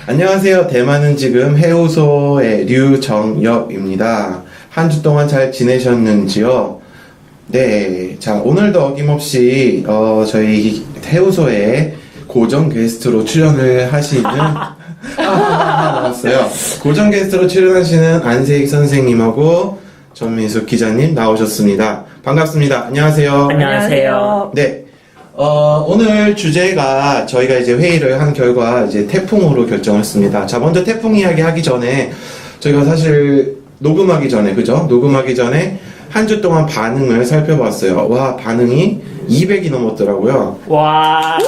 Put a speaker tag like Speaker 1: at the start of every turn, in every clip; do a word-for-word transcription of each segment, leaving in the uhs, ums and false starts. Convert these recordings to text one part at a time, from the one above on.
Speaker 1: 안녕하세요. 대만은 지금 해우소의 류정엽입니다. 한 주 동안 잘 지내셨는지요? 네. 자, 오늘도 어김없이, 어, 저희 해우소에 고정 게스트로 출연을 하시는, 아, 나왔어요. 고정 게스트로 출연하시는 안세익 선생님하고 전민숙 기자님 나오셨습니다. 반갑습니다. 안녕하세요.
Speaker 2: 안녕하세요.
Speaker 1: 네. 어, 오늘 주제가 저희가 이제 회의를 한 결과 이제 태풍으로 결정을 했습니다. 자, 먼저 태풍 이야기 하기 전에 저희가 사실 녹음하기 전에, 그죠? 녹음하기 전에 한 주 동안 반응을 살펴봤어요. 와, 반응이 이백이 넘었더라고요.
Speaker 2: 와.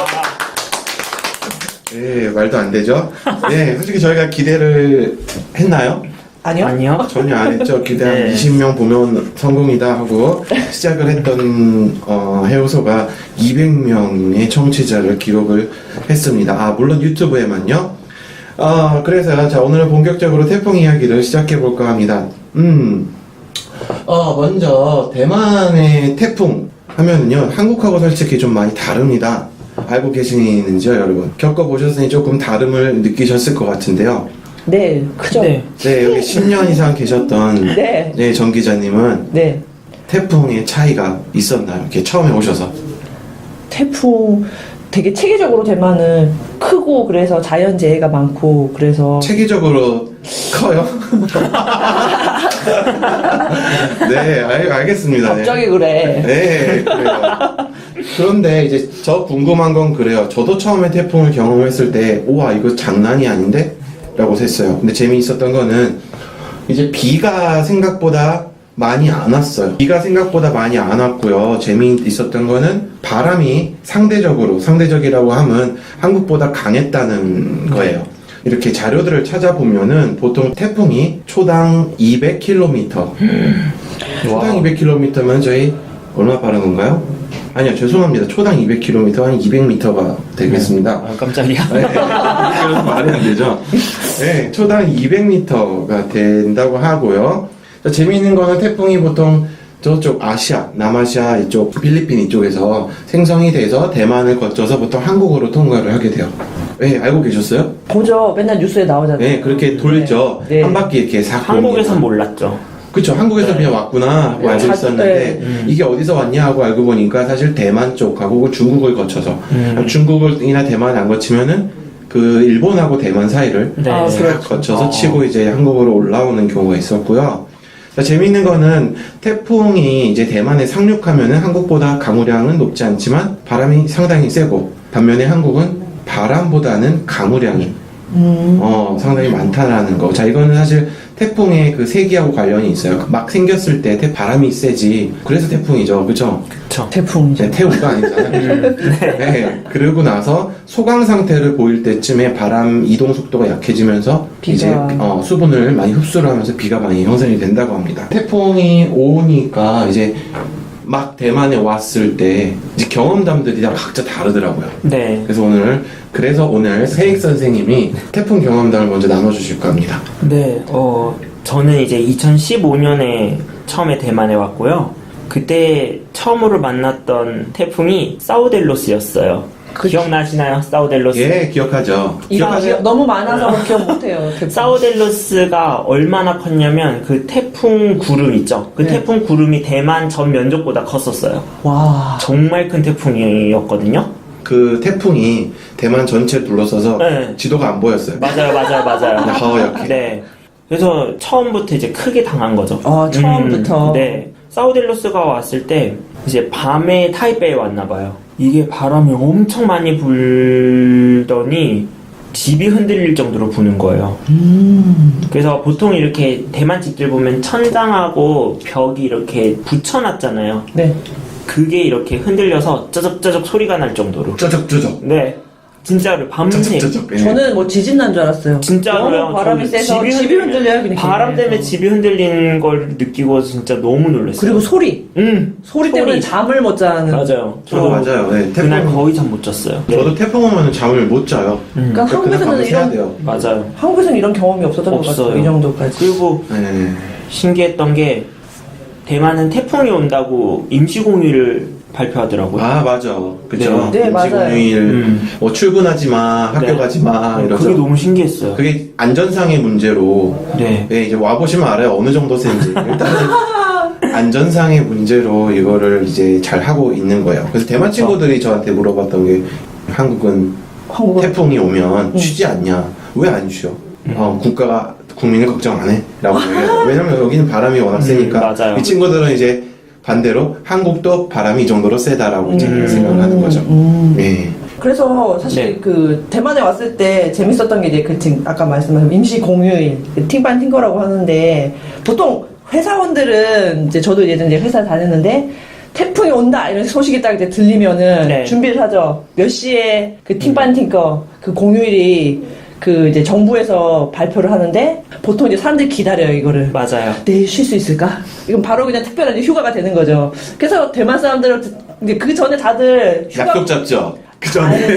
Speaker 1: 네, 말도 안 되죠? 네, 솔직히 저희가 기대를 했나요?
Speaker 3: 아니요?
Speaker 2: 아니요.
Speaker 1: 전혀 안 했죠. 기대 한
Speaker 2: 네.
Speaker 1: 이십 명 보면 성공이다 하고 시작을 했던 어, 해우소가 이백 명의 청취자를 기록을 했습니다. 아, 물론 유튜브에만요. 어, 그래서 자, 오늘은 본격적으로 태풍 이야기를 시작해 볼까 합니다. 음, 어, 먼저 대만의 태풍 하면은요, 한국하고 솔직히 좀 많이 다릅니다. 알고 계시는지요, 여러분? 겪어보셨으니 조금 다름을 느끼셨을 것 같은데요.
Speaker 3: 네, 크죠?
Speaker 2: 네.
Speaker 1: 네, 여기 십 년 이상 계셨던
Speaker 3: 네.
Speaker 1: 네, 정 기자님은
Speaker 3: 네.
Speaker 1: 태풍의 차이가 있었나요? 이렇게 처음에 오셔서.
Speaker 3: 태풍 되게 체계적으로 대만은 크고 그래서 자연재해가 많고 그래서
Speaker 1: 체계적으로 커요? 네, 알, 알겠습니다.
Speaker 3: 갑자기 그래.
Speaker 1: 네, 그래요. 그런데 이제 저 궁금한 건 그래요. 저도 처음에 태풍을 경험했을 때, 우와, 이거 장난이 아닌데? 라고 했어요. 근데 재미있었던 거는 이제 비가 생각보다 많이 안 왔어요. 비가 생각보다 많이 안 왔고요. 재미있었던 거는 바람이 상대적으로, 상대적이라고 하면 한국보다 강했다는 거예요. 이렇게 자료들을 찾아보면은 보통 태풍이 초당 이백 킬로미터. 초당 이백 킬로미터면 저희 얼마 빠른 건가요? 아니요, 죄송합니다. 초당 이백 킬로미터, 한 이백 미터가 되겠습니다.
Speaker 2: 아, 깜짝이야.
Speaker 1: 네, 이건 말이 안 되죠. 네, 초당 이백 미터가 된다고 하고요. 자, 재미있는 거는 태풍이 보통 저쪽 아시아, 남아시아 이쪽, 필리핀 이쪽에서 생성이 돼서 대만을 거쳐서 보통 한국으로 통과를 하게 돼요. 네, 알고 계셨어요?
Speaker 3: 보죠. 맨날 뉴스에 나오잖아요.
Speaker 1: 네, 그렇게 돌죠.
Speaker 3: 네.
Speaker 1: 한 바퀴 이렇게 싹
Speaker 2: 한국에선
Speaker 1: 돌립니다.
Speaker 2: 몰랐죠.
Speaker 1: 그쵸, 한국에서
Speaker 2: 네.
Speaker 1: 그냥 왔구나 하고
Speaker 3: 네,
Speaker 1: 알고
Speaker 3: 자-
Speaker 1: 있었는데
Speaker 3: 네.
Speaker 2: 음.
Speaker 1: 이게 어디서 왔냐 하고 알고 보니까 사실 대만 쪽하고 중국을 거쳐서
Speaker 2: 음.
Speaker 1: 중국이나 대만 안 거치면은 그 일본하고 대만 사이를
Speaker 2: 네.
Speaker 3: 아,
Speaker 1: 싹
Speaker 3: 그렇죠.
Speaker 1: 거쳐서
Speaker 2: 어.
Speaker 1: 치고 이제 한국으로 올라오는 경우가 있었고요. 자, 재미있는 거는 태풍이 이제 대만에 상륙하면은 한국보다 강우량은 높지 않지만 바람이 상당히 세고 반면에 한국은 바람보다는 강우량이
Speaker 3: 음.
Speaker 1: 어, 상당히 많다라는 거. 자, 이거는 사실 태풍의 그 세기하고 관련이 있어요. 막 생겼을 때 태, 바람이 세지. 그래서 태풍이죠. 그죠?
Speaker 2: 그쵸.
Speaker 3: 태풍이죠.
Speaker 1: 네, 태우가 아니잖아요. 네. 그러고 나서 소강 상태를 보일 때쯤에 바람 이동 속도가 약해지면서
Speaker 3: 비가.
Speaker 1: 이제 어, 수분을 많이 흡수를 하면서 비가 많이 형성이 된다고 합니다. 태풍이 오니까 이제 막 대만에 왔을 때 이제 경험담들이 다 각자 다르더라고요.
Speaker 2: 네.
Speaker 1: 그래서 오늘 그래서 오늘 세익 선생님이 태풍 경험담을 먼저 나눠주실까 합니다.
Speaker 2: 네. 어, 저는 이제 이천십오 년에 처음에 대만에 왔고요. 그때 처음으로 만났던 태풍이 사우델로스였어요.
Speaker 3: 그-
Speaker 2: 기억나시나요? 사우델로스?
Speaker 1: 예, 기억하죠.
Speaker 3: 이거
Speaker 1: 기억하세요?
Speaker 3: 너무 많아서 기억 못해요. 태풍.
Speaker 2: 사우델로스가 얼마나 컸냐면 그 태풍 구름 있죠? 그
Speaker 3: 네.
Speaker 2: 태풍 구름이 대만 전 면적보다 컸었어요.
Speaker 3: 와.
Speaker 2: 정말 큰 태풍이었거든요.
Speaker 1: 그 태풍이 대만 전체를 둘러서서
Speaker 2: 네.
Speaker 1: 지도가 안 보였어요.
Speaker 2: 맞아요, 맞아요, 맞아요.
Speaker 1: 하얗게.
Speaker 2: 네. 그래서 처음부터 이제 크게 당한 거죠.
Speaker 3: 아, 처음부터?
Speaker 2: 음, 네. 사우델로스가 왔을 때 이제 밤에 타이베이에 왔나 봐요. 이게 바람이 엄청 많이 불더니 집이 흔들릴 정도로 부는 거예요.
Speaker 3: 음.
Speaker 2: 그래서 보통 이렇게 대만 집들 보면 천장하고 벽이 이렇게 붙여놨잖아요.
Speaker 3: 네.
Speaker 2: 그게 이렇게 흔들려서 쩌적쩌적 소리가 날 정도로.
Speaker 1: 쩌적쩌적.
Speaker 2: 네. 진짜로 밤새.
Speaker 1: 쩌적쩌적. 예.
Speaker 3: 저는 뭐 지진 난 줄 알았어요.
Speaker 2: 진짜로요.
Speaker 3: 너무 바람이
Speaker 2: 저는
Speaker 3: 세서 집이 흔들려요. 그냥
Speaker 2: 바람 때문에
Speaker 3: 계속.
Speaker 2: 집이 흔들리는 걸 느끼고 진짜 너무 놀랐어요.
Speaker 3: 그리고 소리.
Speaker 2: 응.
Speaker 3: 소리 때문에 잠을 못 자는.
Speaker 2: 맞아요.
Speaker 1: 저도 맞아요. 네,
Speaker 2: 그날
Speaker 1: 태풍.
Speaker 2: 거의 잠 못 잤어요.
Speaker 1: 저도 태풍 오면 잠을 못 자요.
Speaker 2: 음.
Speaker 3: 그러니까
Speaker 1: 그날
Speaker 3: 한국에서는
Speaker 1: 밤을 새야
Speaker 3: 이런
Speaker 1: 돼요.
Speaker 2: 맞아요.
Speaker 3: 한국에서는 이런 경험이 없었던 것
Speaker 2: 없어요.
Speaker 3: 같아요. 이 정도까지.
Speaker 2: 그리고
Speaker 1: 네.
Speaker 2: 신기했던 게 대만은 태풍이 온다고 임시공휴를 발표하더라고요.
Speaker 1: 아 맞아, 그죠.
Speaker 3: 네, 네, 맞아요.
Speaker 1: 임시공휴일
Speaker 2: 음.
Speaker 1: 뭐 출근하지 마, 학교
Speaker 2: 네.
Speaker 1: 가지 마 이러죠.
Speaker 2: 그게 너무 신기했어요.
Speaker 1: 그게 안전상의 문제로
Speaker 2: 네.
Speaker 1: 네, 이제 와 보시면 알아요 어느 정도 센지. 일단은 안전상의 문제로 이거를 이제 잘 하고 있는 거예요. 그래서 대만 친구들이 저한테 물어봤던 게 한국은
Speaker 3: 한국은
Speaker 1: 태풍이 오면 쉬지 않냐? 왜 안 쉬어? 어, 국가가 국민을 걱정 안 해? 라고 얘기해요. 왜냐면 여기는 바람이 워낙 세니까.
Speaker 2: 음, 맞아요.
Speaker 1: 이 친구들은 이제 반대로 한국도 바람이 이 정도로 세다라고 이제
Speaker 2: 음.
Speaker 1: 생각을 하는 거죠.
Speaker 3: 음.
Speaker 1: 예.
Speaker 3: 그래서 사실
Speaker 2: 네.
Speaker 3: 그 대만에 왔을 때 재밌었던 게 이제 그 지금 아까 말씀하신 임시 공휴일 그 팅반 팅거라고 하는데 보통 회사원들은 이제 저도 예전에 회사 다녔는데 태풍이 온다 이런 소식이 딱 이제 들리면은
Speaker 2: 네.
Speaker 3: 준비를 하죠. 몇 시에 그 팅반 팅거 그 공휴일이 그 이제 정부에서 발표를 하는데 보통 이제 사람들이 기다려요 이거를.
Speaker 2: 맞아요.
Speaker 3: 내일 쉴 수 있을까? 이건 바로 그냥 특별한 이제 휴가가 되는 거죠. 그래서 대만 사람들은 이제 그 전에 다들 휴가
Speaker 1: 약속 잡죠? 그 전에.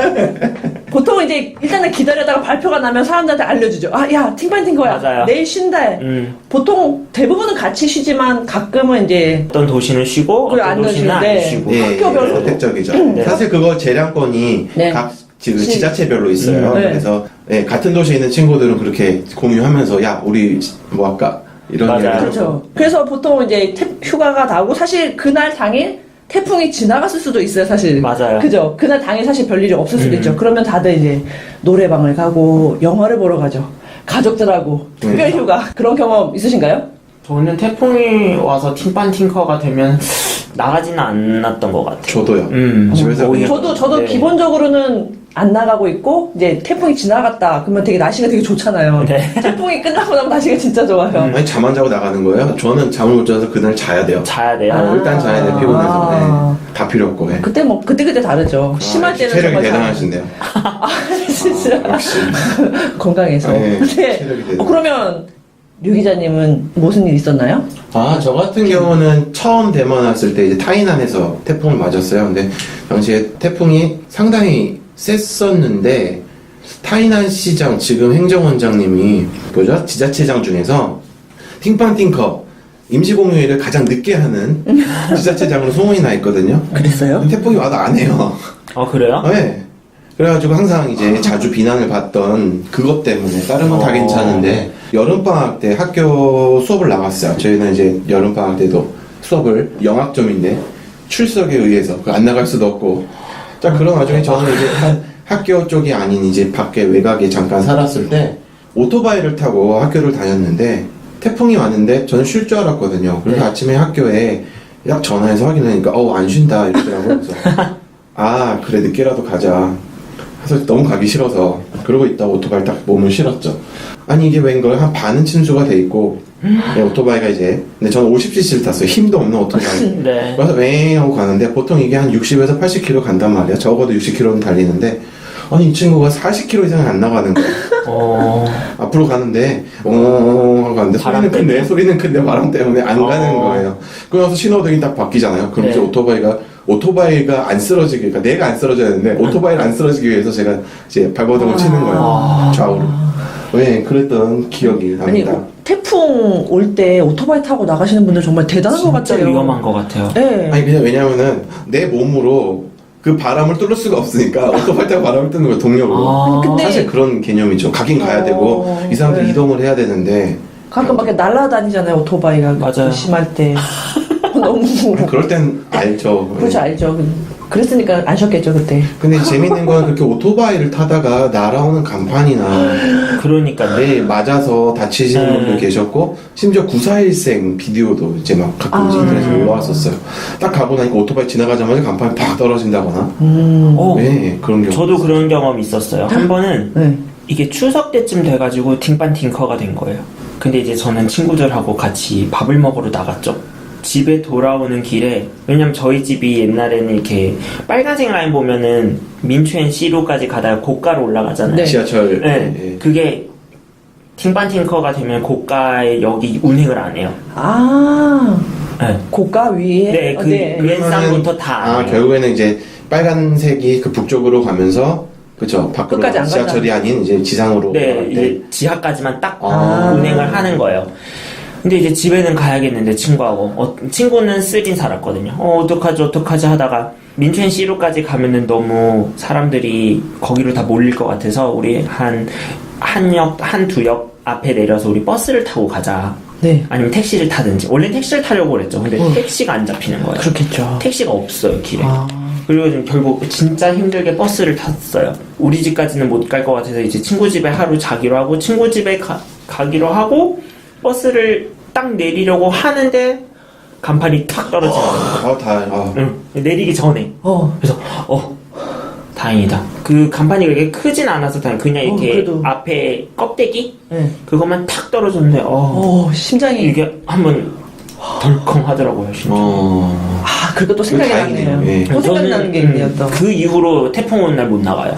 Speaker 3: 보통 이제 일단은 기다려다가 발표가 나면 사람들한테 알려주죠. 아, 야, 팅반팅거야.
Speaker 2: 맞아요.
Speaker 3: 내일 쉰다.
Speaker 2: 음.
Speaker 3: 보통 대부분은 같이 쉬지만 가끔은 이제
Speaker 2: 어떤 도시는 쉬고
Speaker 3: 그래,
Speaker 2: 어떤
Speaker 3: 안
Speaker 2: 도시는 안
Speaker 3: 쉬는데.
Speaker 2: 쉬고.
Speaker 1: 예,
Speaker 3: 학교별로.
Speaker 1: 예, 선택적이죠.
Speaker 2: 네.
Speaker 1: 사실 그거 재량권이
Speaker 3: 네.
Speaker 1: 각 지금
Speaker 3: 시-
Speaker 1: 지자체별로 있어요.
Speaker 3: 음, 네.
Speaker 1: 그래서 예, 같은 도시에 있는 친구들은 그렇게 공유하면서 야 우리 뭐 할까 이런
Speaker 2: 맞아요.
Speaker 1: 얘기를
Speaker 3: 그렇죠.
Speaker 1: 하고.
Speaker 3: 그래서 보통 이제 태- 휴가가 나고 사실 그날 당일 태풍이 지나갔을 수도 있어요, 사실.
Speaker 2: 맞아요.
Speaker 3: 그죠? 그날 당일 사실 별일이 없을 수도
Speaker 2: 음.
Speaker 3: 있죠. 그러면 다들 이제 노래방을 가고 영화를 보러 가죠. 가족들하고 특별
Speaker 1: 네.
Speaker 3: 휴가. 그런 경험 있으신가요?
Speaker 2: 저는 태풍이 와서 팀반 팅커가 되면 나가지는 않았던 것 같아요.
Speaker 1: 저도요.
Speaker 2: 음,
Speaker 1: 집에서
Speaker 2: 오히려.
Speaker 1: 그냥-
Speaker 3: 저도 저도
Speaker 2: 네.
Speaker 3: 기본적으로는 안 나가고 있고 이제 태풍이 지나갔다 그러면 되게 날씨가 되게 좋잖아요.
Speaker 2: 네.
Speaker 3: 태풍이 끝나고 나면 날씨가 진짜 좋아요.
Speaker 2: 음.
Speaker 1: 아니 잠 안 자고 나가는 거예요. 저는 잠을 못 자서 그날 자야 돼요.
Speaker 2: 자야 돼요.
Speaker 1: 어, 일단 자야 돼 피곤해서.
Speaker 3: 아.
Speaker 1: 네. 다 필요 없고. 예.
Speaker 3: 그때 뭐 그때 그때 다르죠. 심할
Speaker 1: 아,
Speaker 3: 때는
Speaker 1: 체력이
Speaker 3: 정말 잘-
Speaker 1: 대단하신데요.
Speaker 3: 아 진짜
Speaker 1: 역시.
Speaker 3: 건강해서.
Speaker 1: 네,
Speaker 3: 근데
Speaker 1: 체력이 대단.
Speaker 3: 어, 그러면 류 기자님은 무슨 일 있었나요?
Speaker 1: 아, 저 같은 경우는 처음 대만 왔을 때 이제 타이난에서 태풍을 맞았어요. 근데 당시에 태풍이 상당히 셌었는데 타이난 시장 지금 행정원장님이 뭐죠? 지자체장 중에서 팅판팅커 임시공휴일을 가장 늦게 하는 지자체장으로 소문이 나 있거든요.
Speaker 3: 그랬어요?
Speaker 1: 근데 태풍이 와도 안 해요.
Speaker 2: 어, 그래요?
Speaker 1: 네. 그래가지고 항상 이제 자주 비난을 받던 그것 때문에 다른 건 다
Speaker 2: 어.
Speaker 1: 괜찮은데 여름방학 때 학교 수업을 나갔어요. 저희는 이제 여름방학 때도 수업을 영학점인데 출석에 의해서 그안 나갈 수도 없고 자 그런 와중에 저는 이제 하- 학교 쪽이 아닌 이제 밖에 외곽에 잠깐 살았을 때 오토바이를 타고 학교를 다녔는데 태풍이 왔는데 저는 쉴 줄 알았거든요. 그래서
Speaker 2: 네.
Speaker 1: 아침에 학교에 약 전화해서 확인하니까 어우 안 쉰다 이러더라고요. 그래서 아 그래 늦게라도 가자. 그래서 너무 가기 싫어서 그러고 있다가 오토바이 딱 몸을 실었죠. 아니 이게 웬걸 한 반은 침수가 돼 있고 네, 오토바이가 이제 근데 저는 오십 씨씨를 탔어요. 힘도 없는 오토바이.
Speaker 2: 네.
Speaker 1: 그래서 웽 하고 가는데 보통 이게 한 육십에서 팔십 킬로미터 간단 말이야. 적어도 육십 킬로미터는 달리는데 아니 이 친구가 사십 킬로미터 이상이 안 나가는 거야.
Speaker 2: 어,
Speaker 1: 앞으로 가는데 어 하고 가는데
Speaker 2: 바람
Speaker 1: 소리는 큰데
Speaker 2: 때문에?
Speaker 1: 소리는 큰데 바람 때문에 안
Speaker 2: 어.
Speaker 1: 가는 거예요. 그러면서 신호등이 딱 바뀌잖아요. 그럼
Speaker 2: 네.
Speaker 1: 이제 오토바이가 오토바이가 안 쓰러지게 그러니까 내가 안 쓰러져야 되는데 오토바이를 안 쓰러지기 위해서 제가 이제 발버둥을 치는 거예요.
Speaker 2: 아.
Speaker 1: 좌우로. 네, 그랬던 기억이
Speaker 3: 아니
Speaker 1: 납니다.
Speaker 3: 태풍 올 때 오토바이 타고 나가시는 분들 정말 대단한 것
Speaker 2: 진짜
Speaker 3: 같아요.
Speaker 2: 위험한 것 같아요.
Speaker 3: 네.
Speaker 1: 아니 그냥 왜냐면은 내 몸으로 그 바람을 뚫을 수가 없으니까 오토바이 타고 바람을 뚫는 거예요 동력으로.
Speaker 2: 아,
Speaker 3: 근데-
Speaker 1: 사실 그런 개념이죠. 가긴 가야
Speaker 3: 어,
Speaker 1: 되고 이 사람들
Speaker 3: 네.
Speaker 1: 이동을 해야 되는데
Speaker 3: 가끔 밖에 날아다니잖아요 오토바이가
Speaker 2: 맞아요.
Speaker 3: 심할 때 너무
Speaker 1: 그럴 땐 알죠.
Speaker 3: 그렇죠 알죠. 그랬으니까 안 쉬었겠죠 그때.
Speaker 1: 근데 재밌는 건 그렇게 오토바이를 타다가 날아오는 간판이나
Speaker 2: 그러니까요.
Speaker 1: 내 맞아서 다치시는
Speaker 2: 네.
Speaker 1: 분들 계셨고 심지어 구사일생 비디오도 이제 막 가끔 이제
Speaker 3: 아.
Speaker 1: 인터넷에 올라왔었어요. 딱 가고 나니까 오토바이 지나가자마자 간판이 팍 떨어진다거나
Speaker 3: 음.
Speaker 2: 어,
Speaker 1: 네 그런 경우
Speaker 2: 저도 그런 경험이 있었어요. 한 번은
Speaker 3: 네.
Speaker 2: 이게 추석 때쯤 돼가지고 팅반 팅커가 된 거예요. 근데 이제 저는 친구들하고 같이 밥을 먹으러 나갔죠. 집에 돌아오는 길에 왜냐면 저희 집이 옛날에는 이렇게 빨간색 라인 보면은 민추엔 C로까지 가다가 고가로 올라가잖아요.
Speaker 3: 네.
Speaker 1: 지하철
Speaker 2: 네,
Speaker 1: 예.
Speaker 2: 그게 팅반 팅커가 되면 고가에 여기 운행을 안 해요.
Speaker 3: 아
Speaker 2: 네,
Speaker 3: 고가 위에.
Speaker 2: 네,
Speaker 3: 어,
Speaker 2: 그 왼쌍부터 다 안
Speaker 1: 아
Speaker 2: 해요.
Speaker 1: 결국에는 이제 빨간색이 그 북쪽으로 가면서 그죠 밖으로
Speaker 3: 끝까지 안
Speaker 1: 지하철이 아닌 이제 지상으로
Speaker 2: 네,
Speaker 1: 갈 때.
Speaker 2: 이제 지하까지만 딱
Speaker 1: 아.
Speaker 2: 운행을 하는 거예요. 근데 이제 집에는 가야겠는데 친구하고 어, 친구는 쓰린 살았거든요. 어 어떡하지 어떡하지 하다가 민첸 시루까지 가면은 너무 사람들이 거기로 다 몰릴 것 같아서 우리 한 한 역 한 두 역 앞에 내려서 우리 버스를 타고 가자.
Speaker 3: 네.
Speaker 2: 아니면 택시를 타든지. 원래 택시를 타려고 그랬죠. 근데
Speaker 3: 어.
Speaker 2: 택시가 안 잡히는 거예요.
Speaker 3: 그렇겠죠.
Speaker 2: 택시가 없어요 길에.
Speaker 3: 아.
Speaker 2: 그리고 좀 결국 진짜 힘들게 버스를 탔어요. 우리 집까지는 못 갈 것 같아서 이제 친구 집에 하루 자기로 하고 친구 집에 가, 가기로 하고 버스를 딱 내리려고 하는데 간판이 탁 떨어지는 거예요.
Speaker 1: 아, 다, 아.
Speaker 2: 응, 내리기 전에.
Speaker 3: 어.
Speaker 2: 그래서 어 다행이다. 그 간판이 그렇게 크진 않아서 다행. 그냥 이렇게
Speaker 3: 어, 그래도.
Speaker 2: 앞에 껍데기
Speaker 3: 네.
Speaker 2: 그것만 탁 떨어졌는데 어
Speaker 3: 어, 심장이.
Speaker 2: 이게 한번 덜컹 하더라고요. 진짜.
Speaker 1: 어.
Speaker 3: 아, 그리고 또 생각이
Speaker 1: 다행이네요.
Speaker 3: 나네요.
Speaker 1: 예.
Speaker 3: 또 생각나는 게 있네요, 또.
Speaker 2: 그 이후로 태풍 오는 날 못 나가요.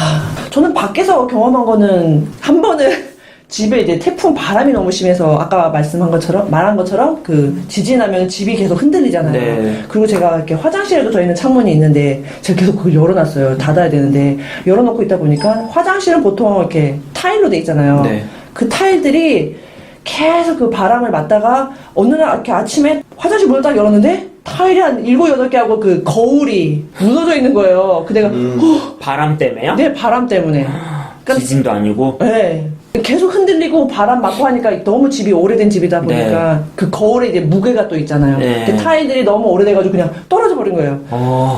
Speaker 3: 저는 밖에서 경험한 거는 한 번은 집에 이제 태풍 바람이 너무 심해서 아까 말씀한 것처럼 말한 것처럼 그 지진하면 집이 계속 흔들리잖아요.
Speaker 2: 네.
Speaker 3: 그리고 제가 이렇게 화장실에도 저희는 창문이 있는데 제가 계속 그걸 열어놨어요. 닫아야 되는데 열어놓고 있다 보니까 화장실은 보통 이렇게 타일로 돼 있잖아요.
Speaker 2: 네.
Speaker 3: 그 타일들이 계속 그 바람을 맞다가 어느 날 이렇게 아침에 화장실 문을 딱 열었는데 타일이 한 일곱 여덟 개 하고 그 거울이 무너져 있는 거예요. 그 내가
Speaker 1: 음.
Speaker 3: 어,
Speaker 2: 바람 때문에요?
Speaker 3: 내 바람 때문에. 그러니까
Speaker 2: 지진도 아니고.
Speaker 3: 네. 계속 흔들리고 바람 맞고 하니까 너무 집이 오래된 집이다 보니까
Speaker 2: 네.
Speaker 3: 그 거울에 이제 무게가 또 있잖아요.
Speaker 2: 네.
Speaker 3: 근데 타일들이 너무 오래돼가지고 그냥 떨어져 버린 거예요.
Speaker 2: 어.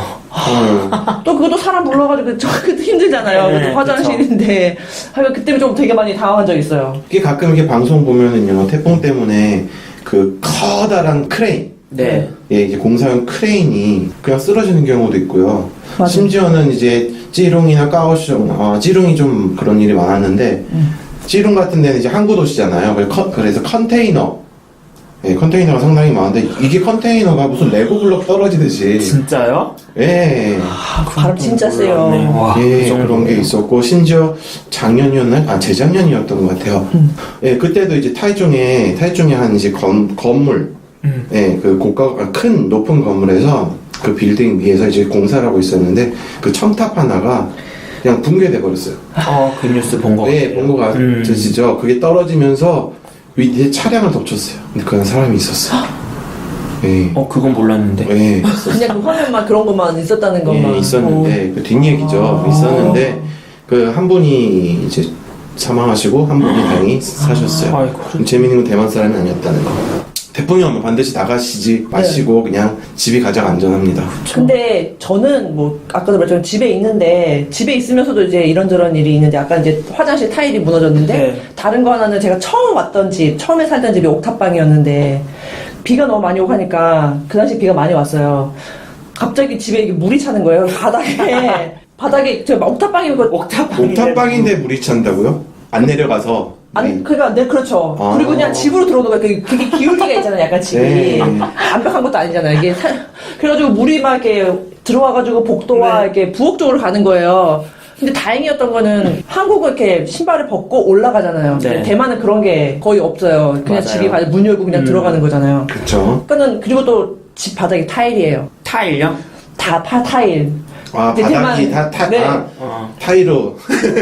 Speaker 1: 어.
Speaker 3: 또 그것도 사람 불러가지고 저 그것도 힘들잖아요.
Speaker 2: 네,
Speaker 3: 그것도 화장실인데. 하여간 그때 좀 되게 많이 당황한 적 있어요.
Speaker 1: 이게 가끔 이렇게 방송 보면은요, 태풍 때문에 그 커다란 크레인,
Speaker 2: 네.
Speaker 1: 예, 이제 공사용 크레인이 그냥 쓰러지는 경우도 있고요.
Speaker 3: 맞아요.
Speaker 1: 심지어는 이제 찌룽이나 까오슝, 어, 찌룽이 좀 그런 일이 많았는데,
Speaker 3: 음.
Speaker 1: 찌룽 같은 데는 이제 항구 도시잖아요. 그래서, 컨- 그래서 컨테이너, 예, 컨테이너가 상당히 많은데, 이게 컨테이너가 무슨 레고 블록 떨어지듯이,
Speaker 2: 진짜요?
Speaker 1: 예,
Speaker 3: 아, 바람 진짜 세요.
Speaker 2: 몰랐네. 와,
Speaker 1: 예,
Speaker 2: 그 정도로.
Speaker 1: 그런 게 있었고, 심지어 작년이었나요? 아, 재작년이었던 것 같아요.
Speaker 3: 음.
Speaker 1: 예, 그때도 이제 타이중에, 타이중에 한 이제 건, 건물,
Speaker 2: 음.
Speaker 1: 예, 그 고가, 아, 큰 높은 건물에서 그 빌딩 위에서 이제 공사를 하고 있었는데, 그 첨탑 하나가 그냥 붕괴돼 버렸어요.
Speaker 2: 어, 그 뉴스 본 거
Speaker 1: 네,
Speaker 2: 같아요.
Speaker 1: 본 거
Speaker 2: 음.
Speaker 1: 같으시죠? 그게 떨어지면서 위에 차량을 덮쳤어요. 근데 그냥 사람이 있었어요. 예.
Speaker 2: 어, 그건 몰랐는데.
Speaker 1: 예.
Speaker 3: 그냥 그 화면만 그런 것만 있었다는 것만.
Speaker 1: 예, 있었는데, 그 뒷얘기죠.
Speaker 3: 아.
Speaker 1: 있었는데, 그 한 분이 이제 사망하시고, 한 분이 다행히 사셨어요.
Speaker 2: 아이고.
Speaker 1: 재밌는 건 대만 사람이 아니었다는 거. 태풍이 오면 반드시 나가시지 마시고, 그냥 집이 가장 안전합니다.
Speaker 3: 근데 저는 뭐 아까도 말했지만 집에 있는데 집에 있으면서도 이제 이런저런 일이 있는데 아까 이제 화장실 타일이 무너졌는데
Speaker 2: 네.
Speaker 3: 다른 거 하나는 제가 처음 왔던 집 처음에 살던 집이 옥탑방이었는데 비가 너무 많이 오고 하니까 그 당시 비가 많이 왔어요. 갑자기 집에 이게 물이 차는 거예요. 바닥에 바닥에 제가 옥탑방이고
Speaker 2: 옥탑방인데.
Speaker 1: 옥탑방인데 물이 찬다고요? 안 내려가서.
Speaker 3: 아니
Speaker 1: 네.
Speaker 3: 그러니까 네 그렇죠.
Speaker 1: 아.
Speaker 3: 그리고 그냥 집으로 들어오는 거예요. 그게, 그게 기울기가 있잖아요. 약간 집이
Speaker 1: 네.
Speaker 3: 완벽한 것도 아니잖아요. 이게 사- 그래가지고 물이 막 이렇게 들어와가지고 복도와
Speaker 2: 네.
Speaker 3: 이렇게 부엌 쪽으로 가는 거예요. 근데 다행이었던 거는 한국은 이렇게 신발을 벗고 올라가잖아요.
Speaker 2: 네.
Speaker 3: 대만은 그런 게 거의 없어요. 그냥
Speaker 2: 맞아요.
Speaker 3: 집이 가문 열고 그냥
Speaker 2: 음.
Speaker 3: 들어가는 거잖아요.
Speaker 1: 그쵸.
Speaker 3: 그러니까는 그리고 또 집 바닥이 타일이에요.
Speaker 2: 타일요?
Speaker 3: 다 파 타일.
Speaker 1: 아,
Speaker 3: 이제
Speaker 1: 바닥이
Speaker 3: 대만-
Speaker 1: 다, 타,
Speaker 3: 네.
Speaker 1: 아,
Speaker 2: 어.
Speaker 1: 타일로.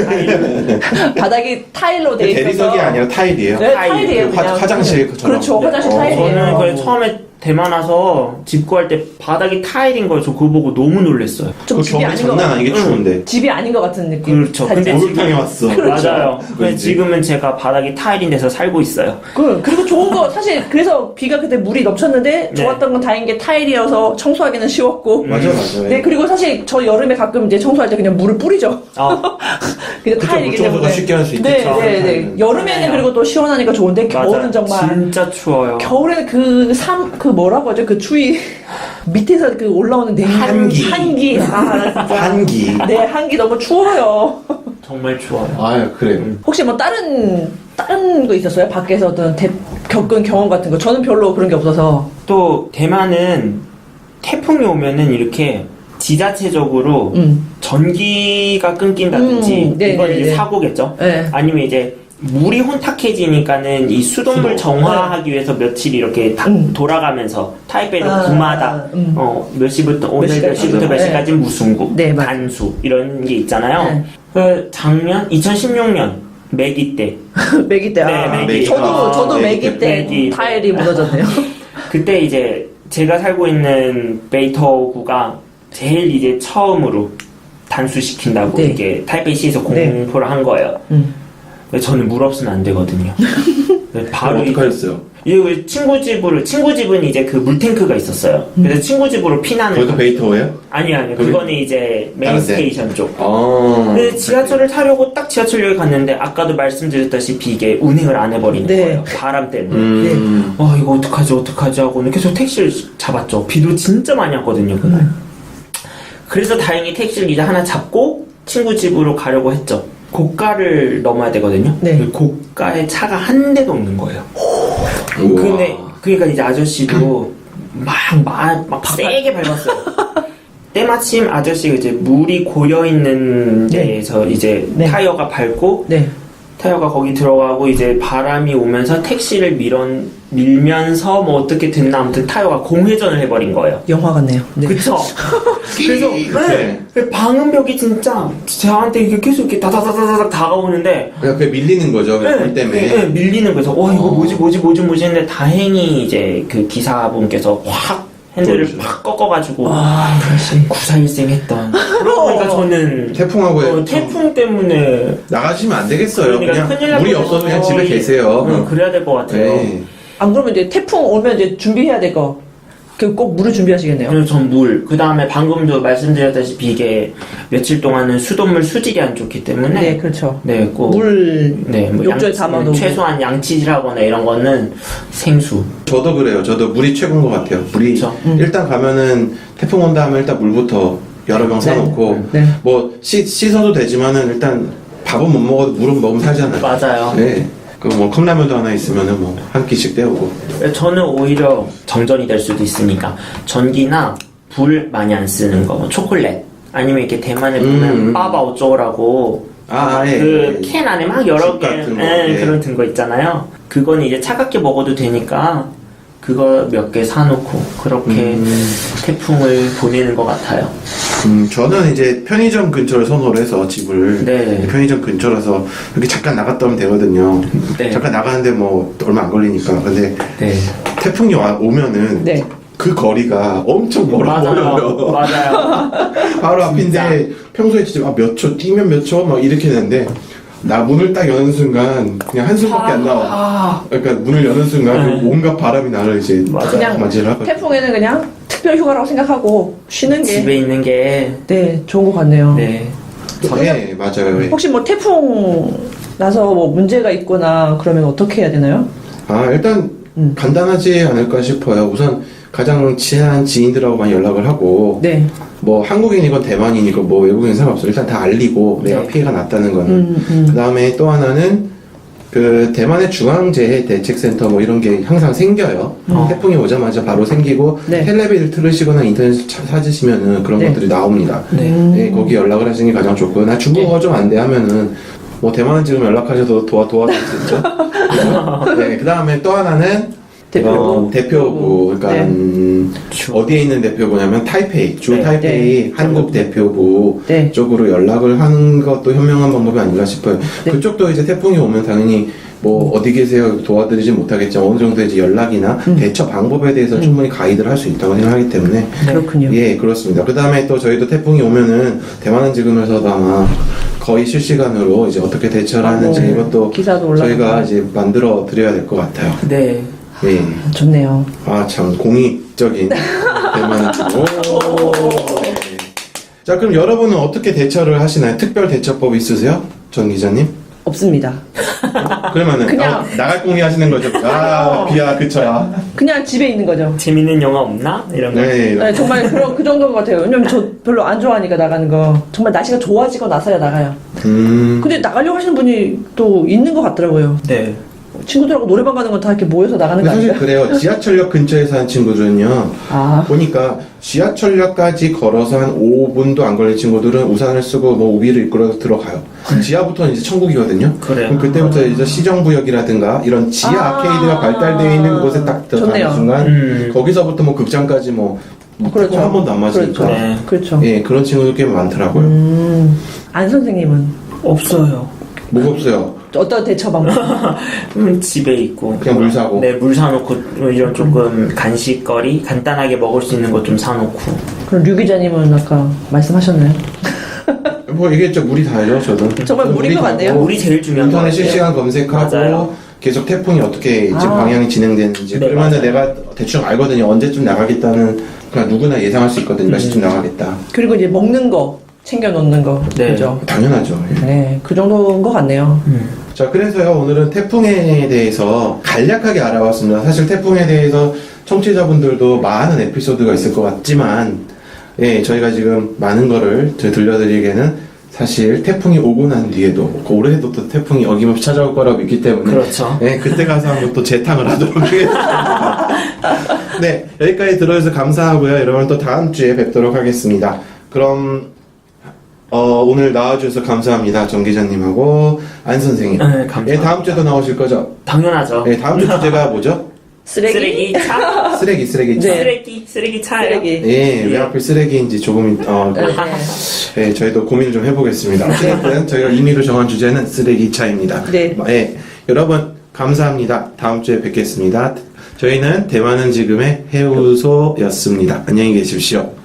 Speaker 3: 바닥이 타일로 돼 있어서
Speaker 1: 대리석이 아니라 타일이에요.
Speaker 3: 네,
Speaker 2: 타일.
Speaker 3: 타일이에요.
Speaker 1: 그 화-
Speaker 3: 그냥.
Speaker 1: 화장실 그처럼.
Speaker 3: 그렇죠.
Speaker 1: 네.
Speaker 3: 화장실
Speaker 1: 어.
Speaker 3: 타일이에요.
Speaker 2: 저는 그 처음에 대만 와서 집 구할 때 바닥이 타일인 거예요. 저 그거 보고 너무 놀랐어요.
Speaker 3: 좀
Speaker 1: 그
Speaker 3: 집이
Speaker 1: 겨울
Speaker 3: 아닌 것
Speaker 1: 장난
Speaker 3: 같아요.
Speaker 1: 아니게
Speaker 2: 응.
Speaker 1: 추운데.
Speaker 3: 집이 아닌 것 같은 느낌.
Speaker 2: 그렇죠.
Speaker 3: 살짝.
Speaker 2: 근데
Speaker 1: 목욕탕에 왔어.
Speaker 2: 맞아요. 근데
Speaker 1: 왠지.
Speaker 2: 지금은 제가 바닥이 타일인 데서 살고 있어요.
Speaker 3: 그, 그리고 좋은 거, 사실, 그래서 비가 그때 물이 넘쳤는데,
Speaker 2: 네.
Speaker 3: 좋았던 건 다행인 게 타일이어서 청소하기는 쉬웠고.
Speaker 1: 맞아, 맞아.
Speaker 3: 네, 그리고 사실 저 여름에 가끔 이제 청소할 때 그냥 물을 뿌리죠.
Speaker 2: 어,
Speaker 3: 그냥
Speaker 1: 그쵸,
Speaker 3: 타일이기
Speaker 1: 물 청소가
Speaker 3: 때문에.
Speaker 1: 쉽게 할 수 있겠죠.
Speaker 3: 네, 네, 네.
Speaker 1: 타일은.
Speaker 3: 여름에는
Speaker 2: 맞아요.
Speaker 3: 그리고 또 시원하니까 좋은데, 겨울은
Speaker 2: 맞아요.
Speaker 3: 정말.
Speaker 2: 진짜 추워요.
Speaker 3: 겨울에는 그 삼, 그 뭐라고 하죠? 그 추위. 밑에서 그 올라오는 냉
Speaker 1: 한기.
Speaker 3: 한기. 아, 나 진짜.
Speaker 1: 한기.
Speaker 3: 네, 한기 너무 추워요.
Speaker 2: 정말 추워요.
Speaker 1: 아, 그래요.
Speaker 3: 혹시 뭐 다른, 다른 거 있었어요? 밖에서 어떤 대, 겪은 경험 같은 거? 저는 별로 그런 게 없어서.
Speaker 2: 또 대만은 태풍이 오면은 이렇게 지자체적으로
Speaker 3: 음.
Speaker 2: 전기가 끊긴다든지
Speaker 3: 음, 네,
Speaker 2: 이건
Speaker 3: 네,
Speaker 2: 이제
Speaker 3: 네.
Speaker 2: 사고겠죠.
Speaker 3: 네.
Speaker 2: 아니면 이제 물이 혼탁해지니까는 이 수돗물
Speaker 1: 수도.
Speaker 2: 정화하기 위해서 며칠 이렇게 다
Speaker 3: 음.
Speaker 2: 돌아가면서 타이베이는
Speaker 3: 아,
Speaker 2: 구마다
Speaker 3: 음.
Speaker 2: 어, 몇 시부터 오늘 몇
Speaker 3: 시까지
Speaker 2: 시부터 몇
Speaker 3: 네.
Speaker 2: 시까지 무슨 국
Speaker 3: 네, 맞-
Speaker 2: 단수 이런 게 있잖아요.
Speaker 3: 네.
Speaker 2: 그 작년 이천십육 년 매기 때
Speaker 3: 매기 때.
Speaker 2: 네,
Speaker 3: 아,
Speaker 2: 매기.
Speaker 3: 저도
Speaker 1: 아,
Speaker 3: 저도
Speaker 1: 매기
Speaker 3: 매기
Speaker 1: 때.
Speaker 3: 때
Speaker 2: 매기.
Speaker 3: 타일이 무너졌네요.
Speaker 2: 그때 이제 제가 살고 있는 베이터구가 제일 이제 처음으로 단수시킨다고
Speaker 3: 네.
Speaker 2: 이게 타이페이시에서
Speaker 3: 네.
Speaker 2: 공포를 한 거예요.
Speaker 3: 음.
Speaker 2: 근데 저는 물 없으면 안 되거든요. 바로
Speaker 1: 어떻게
Speaker 2: 이제
Speaker 1: 하셨어요?
Speaker 2: 이게 우리 친구 집으로 친구 집은 이제 그 물탱크가 있었어요. 그래서 친구 집으로 피난을
Speaker 1: 거기도
Speaker 2: 가-
Speaker 1: 베이터예요?
Speaker 2: 아니 아니
Speaker 1: 거기?
Speaker 2: 그거는 이제 메인
Speaker 1: 다른데?
Speaker 2: 스테이션 쪽.
Speaker 1: 아.
Speaker 2: 근데 지하철을 타려고 딱 지하철역에 갔는데 아까도 말씀드렸다시피 이게 운행을 안 해버리는
Speaker 3: 네.
Speaker 2: 거예요. 바람 때문에.
Speaker 1: 음.
Speaker 2: 아 이거 어떡하지 어떡하지 하고는 계속 택시를 잡았죠. 비도 진짜 많이 왔거든요 그날. 그래서 다행히 택시를 이제 하나 잡고 친구 집으로 가려고 했죠. 고가를 넘어야 되거든요.
Speaker 3: 네.
Speaker 2: 그 고가에 차가 한 대도 없는 거예요.
Speaker 1: 우와.
Speaker 2: 근데 그러니까 이제 아저씨도 막막 막 세게 밟았어요. 때마침 아저씨가 이제 물이 고여 있는
Speaker 3: 네.
Speaker 2: 데에서 이제
Speaker 3: 네.
Speaker 2: 타이어가 밟고
Speaker 3: 네.
Speaker 2: 타이어가 거기 들어가고 이제 바람이 오면서 택시를 밀он, 밀면서 뭐 어떻게 됐나 아무튼 타이어가 공회전을 해버린 거예요.
Speaker 3: 영화 같네요. 네.
Speaker 2: 그쵸? 그래서 네. 그 방음벽이 진짜 저한테 이게 계속 이렇게 다다다다닥 다가오는데
Speaker 1: 그냥 그게 밀리는 거죠. 그냥 불 때문에.
Speaker 2: 네, 네, 밀리는 거죠. 와 이거
Speaker 1: 어.
Speaker 2: 뭐지 뭐지 뭐지 뭐지 했는데 다행히 이제 그 기사분께서 확 핸들을
Speaker 1: 그렇죠.
Speaker 2: 팍 꺾어가지고
Speaker 3: 아, 역시.
Speaker 2: 구사일생 했던. 그러니까 저는
Speaker 1: 태풍하고
Speaker 2: 어, 태풍 때문에
Speaker 1: 나가시면 안 되겠어요.
Speaker 2: 그러니까 큰일
Speaker 1: 그냥
Speaker 2: 날
Speaker 1: 물이
Speaker 2: 뻔했어요.
Speaker 1: 없어서 그냥 집에 계세요.
Speaker 2: 응, 그래야 될 것 같아요.
Speaker 1: 네.
Speaker 3: 안 그러면 이제 태풍 오면 이제 준비해야 될 거. 그 꼭 물을 준비하시겠네요.
Speaker 2: 그리고 전 물, 그 다음에 방금도 말씀드렸다시피 이게 며칠 동안은 수돗물 수질이 안 좋기 때문에
Speaker 3: 네, 그렇죠.
Speaker 2: 네, 꼭
Speaker 3: 물
Speaker 2: 네, 뭐
Speaker 3: 욕조에
Speaker 2: 양치-
Speaker 3: 담아놓고.
Speaker 2: 최소한 양치질하거나 이런 거는 생수.
Speaker 1: 저도 그래요. 저도 물이 최고인 것 같아요. 물이
Speaker 2: 그쵸.
Speaker 3: 음.
Speaker 1: 일단 가면은 태풍 온다 하면 일단 물부터 여러 병 사놓고
Speaker 3: 네.
Speaker 1: 뭐 씻, 씻어도 되지만은 일단 밥은 못 먹어도 물은 먹으면 살잖아요.
Speaker 2: 맞아요.
Speaker 1: 네. 그 뭐 컵라면도 하나 있으면은 뭐 한 끼씩 때우고.
Speaker 2: 저는 오히려 정전이 될 수도 있으니까 전기나 불 많이 안 쓰는 거, 뭐 초콜릿 아니면 이렇게 대만에 보면
Speaker 1: 음.
Speaker 2: 빠바 어쩌고라고
Speaker 1: 아, 예.
Speaker 2: 그
Speaker 1: 예.
Speaker 2: 캔 안에 막 여러
Speaker 1: 칩
Speaker 2: 개
Speaker 1: 같은 거,
Speaker 2: 예,
Speaker 1: 예.
Speaker 2: 그런 든 거 있잖아요. 그거는 이제 차갑게 먹어도 되니까 그거 몇 개 사놓고 그렇게
Speaker 1: 음.
Speaker 2: 태풍을 보내는 것 같아요.
Speaker 1: 음, 저는 이제 편의점 근처를 선호를 해서 집을
Speaker 2: 네.
Speaker 1: 편의점 근처라서 이렇게 잠깐 나갔다 오면 되거든요.
Speaker 2: 네.
Speaker 1: 잠깐 나가는데 뭐 얼마 안 걸리니까. 근데
Speaker 2: 네.
Speaker 1: 태풍이 와, 오면은
Speaker 3: 네.
Speaker 1: 그 거리가 엄청 멀어
Speaker 2: 맞아요.
Speaker 1: 보여요.
Speaker 2: 맞아요.
Speaker 1: 바로 앞인데 평소에 진짜 아, 몇 초 뛰면 몇 초 막 이렇게 되는데 나 문을 딱 여는 순간 그냥 한숨밖에 안 나와.
Speaker 2: 아,
Speaker 1: 그러니까 문을 여는 순간
Speaker 2: 네.
Speaker 1: 그 온갖 바람이 나를 이제
Speaker 3: 그냥
Speaker 1: 맞이하고.
Speaker 3: 태풍에는 그냥 특별 휴가라고 생각하고 쉬는 게
Speaker 2: 집에 있는 게
Speaker 3: 네, 좋은 것 같네요.
Speaker 2: 네.
Speaker 1: 네, 맞아요. 예.
Speaker 3: 혹시 뭐 태풍 나서 뭐 문제가 있거나 그러면 어떻게 해야 되나요?
Speaker 1: 아 일단
Speaker 3: 음.
Speaker 1: 간단하지 않을까 싶어요. 우선 가장 친한 지인들하고 많이 연락을 하고
Speaker 3: 네.
Speaker 1: 뭐 한국인이건 대만인이건 뭐 외국인 상관없어. 일단 다 알리고 내가
Speaker 2: 네.
Speaker 1: 피해가 났다는 거는.
Speaker 3: 음, 음.
Speaker 1: 그 다음에 또 하나는 그 대만의 중앙재해대책센터 뭐 이런 게 항상 생겨요.
Speaker 2: 어.
Speaker 1: 태풍이 오자마자 바로 생기고
Speaker 3: 네.
Speaker 1: 텔레비를 틀으시거나 인터넷 차- 찾으시면은 그런
Speaker 3: 네.
Speaker 1: 것들이 나옵니다.
Speaker 2: 네.
Speaker 3: 음.
Speaker 1: 네, 거기 연락을 하시는 게 가장 좋고 나 중국어가 좀 안 돼 하면은 뭐 대만 지금 연락하셔도 도와 도와줄 수 있죠. 네, 그 다음에 또 하나는
Speaker 3: 대표부.
Speaker 1: 어, 대표부 그러니까
Speaker 3: 네.
Speaker 1: 음,
Speaker 2: 주-
Speaker 1: 어디에 있는 대표부냐면 타이페이 주
Speaker 2: 네.
Speaker 1: 타이페이
Speaker 3: 네.
Speaker 1: 한국 대표부
Speaker 3: 네.
Speaker 1: 쪽으로 연락을 하는 것도 현명한 방법이 아닌가 싶어요.
Speaker 3: 네.
Speaker 1: 그쪽도 이제 태풍이 오면 당연히 뭐 어디 계세요 도와드리지 못하겠지만 어느 정도 이제 연락이나
Speaker 3: 음.
Speaker 1: 대처 방법에 대해서 충분히 가이드를 할 수 있다고 생각하기 때문에
Speaker 3: 그렇군요.
Speaker 1: 예 그렇습니다. 그 다음에 또 저희도 태풍이 오면은 대만은 지금에서도 아마 거의 실시간으로 이제 어떻게 대처를
Speaker 3: 아,
Speaker 1: 하는지
Speaker 3: 네.
Speaker 1: 이것도
Speaker 3: 기사도 올라가고.
Speaker 1: 저희가 이제 만들어 드려야 될 것 같아요.
Speaker 2: 네.
Speaker 1: 예.
Speaker 3: 좋네요.
Speaker 1: 아, 참, 공익적인 대만은. 오. 네. 자, 그럼 여러분은 어떻게 대처를 하시나요? 특별 대처법 있으세요? 전 기자님?
Speaker 3: 없습니다.
Speaker 1: 그러면은,
Speaker 3: 그냥-
Speaker 1: 어, 나갈 공이 하시는 거죠? 아, 비야, 그쳐야.
Speaker 3: 그냥 집에 있는 거죠.
Speaker 2: 재밌는 영화 없나? 이런 거.
Speaker 1: 네.
Speaker 3: 네, 정말 그런 그 정도인 것 같아요. 왜냐면 저 별로 안 좋아하니까 나가는 거. 정말 날씨가 좋아지고 나서야 나가요.
Speaker 1: 음.
Speaker 3: 근데 나가려고 하시는 분이 또 있는 것 같더라고요.
Speaker 2: 네.
Speaker 3: 친구들하고 노래방 가는 건 다 이렇게 모여서 나가는
Speaker 1: 근데
Speaker 3: 거
Speaker 1: 사실
Speaker 3: 아닌가요?
Speaker 1: 그래요. 지하철역 근처에 사는 친구들은요.
Speaker 3: 아,
Speaker 1: 보니까 지하철역까지 걸어서 한 오 분도 안 걸린 친구들은 우산을 쓰고 뭐 우비를 입고 들어가요. 지하부터는 이제 천국이거든요.
Speaker 2: 그래요.
Speaker 1: 그럼 그때부터 이제 시정구역이라든가 이런 지하
Speaker 3: 아.
Speaker 1: 아케이드가 발달되어 있는 곳에 딱 들어가는
Speaker 3: 좋네요.
Speaker 1: 순간
Speaker 2: 음.
Speaker 1: 거기서부터 뭐 극장까지 뭐, 뭐
Speaker 3: 그렇죠.
Speaker 1: 한 번도 안 마시니까
Speaker 3: 그렇죠.
Speaker 2: 네.
Speaker 3: 그렇죠.
Speaker 1: 예 그런 친구들 꽤 많더라고요.
Speaker 3: 음, 안 선생님은
Speaker 2: 없어요.
Speaker 1: 뭐가 없어요.
Speaker 3: 어떤 대처 방법?
Speaker 2: 음, 집에 있고
Speaker 1: 그냥 물 사고.
Speaker 2: 네, 물 사놓고 이런 조금 간식거리 간단하게 먹을 수 있는 것 좀 사놓고.
Speaker 3: 그럼 류 기자님은 아까 말씀하셨나요?
Speaker 1: 뭐 얘기했죠. 물이 다죠. 저도.
Speaker 3: 정말
Speaker 1: 저도
Speaker 3: 물인 것
Speaker 1: 다고
Speaker 3: 같네요.
Speaker 2: 물이 제일 중요한 것
Speaker 1: 인터넷
Speaker 2: 같아요.
Speaker 1: 실시간 검색하고
Speaker 2: 맞아요.
Speaker 1: 계속 태풍이 어떻게 이제
Speaker 3: 아.
Speaker 1: 방향이 진행되는지
Speaker 2: 네,
Speaker 1: 그러면
Speaker 2: 맞아요.
Speaker 1: 내가 대충 알거든요. 언제쯤 나가겠다는 그냥 누구나 예상할 수 있거든요. 몇 시쯤 나가겠다.
Speaker 3: 그리고 이제 먹는 거 챙겨 놓는 거.
Speaker 2: 네.
Speaker 3: 그죠?
Speaker 1: 당연하죠. 예.
Speaker 3: 네, 그 정도인 것 같네요.
Speaker 2: 음.
Speaker 1: 자, 그래서요, 오늘은 태풍에 대해서 간략하게 알아봤습니다. 사실 태풍에 대해서 청취자분들도 많은 에피소드가 있을 것 같지만, 예, 저희가 지금 많은 거를 저- 들려드리기에는 사실 태풍이 오고 난 뒤에도, 올해도 또 태풍이 어김없이 찾아올 거라고 믿기 때문에,
Speaker 2: 그렇죠.
Speaker 1: 예, 그때 가서 한번 또 재탕을 하도록 하겠습니다. 네, 여기까지 들어주셔서 감사하고요. 여러분 또 다음 주에 뵙도록 하겠습니다. 그럼, 어, 오늘 나와주셔서 감사합니다. 정 기자님하고 안 선생님.
Speaker 2: 네, 감사합니다.
Speaker 1: 예, 다음 주에도 나오실 거죠?
Speaker 2: 당연하죠.
Speaker 1: 예, 다음 주 주제가 뭐죠?
Speaker 3: 쓰레기?
Speaker 2: 쓰레기 차?
Speaker 1: 쓰레기, 쓰레기.
Speaker 3: 네.
Speaker 2: 쓰레기 쓰레기 차요.
Speaker 3: 쓰레기.
Speaker 1: 예, 왜 하필 쓰레기인지 조금, 어, 그,
Speaker 3: 네.
Speaker 1: 예, 저희도 고민을 좀 해보겠습니다. 어쨌든 저희가 임의로 정한 주제는 쓰레기차입니다.
Speaker 3: 네.
Speaker 1: 예, 여러분 감사합니다. 다음 주에 뵙겠습니다. 저희는 대만은 지금의 해우소였습니다. 안녕히 계십시오.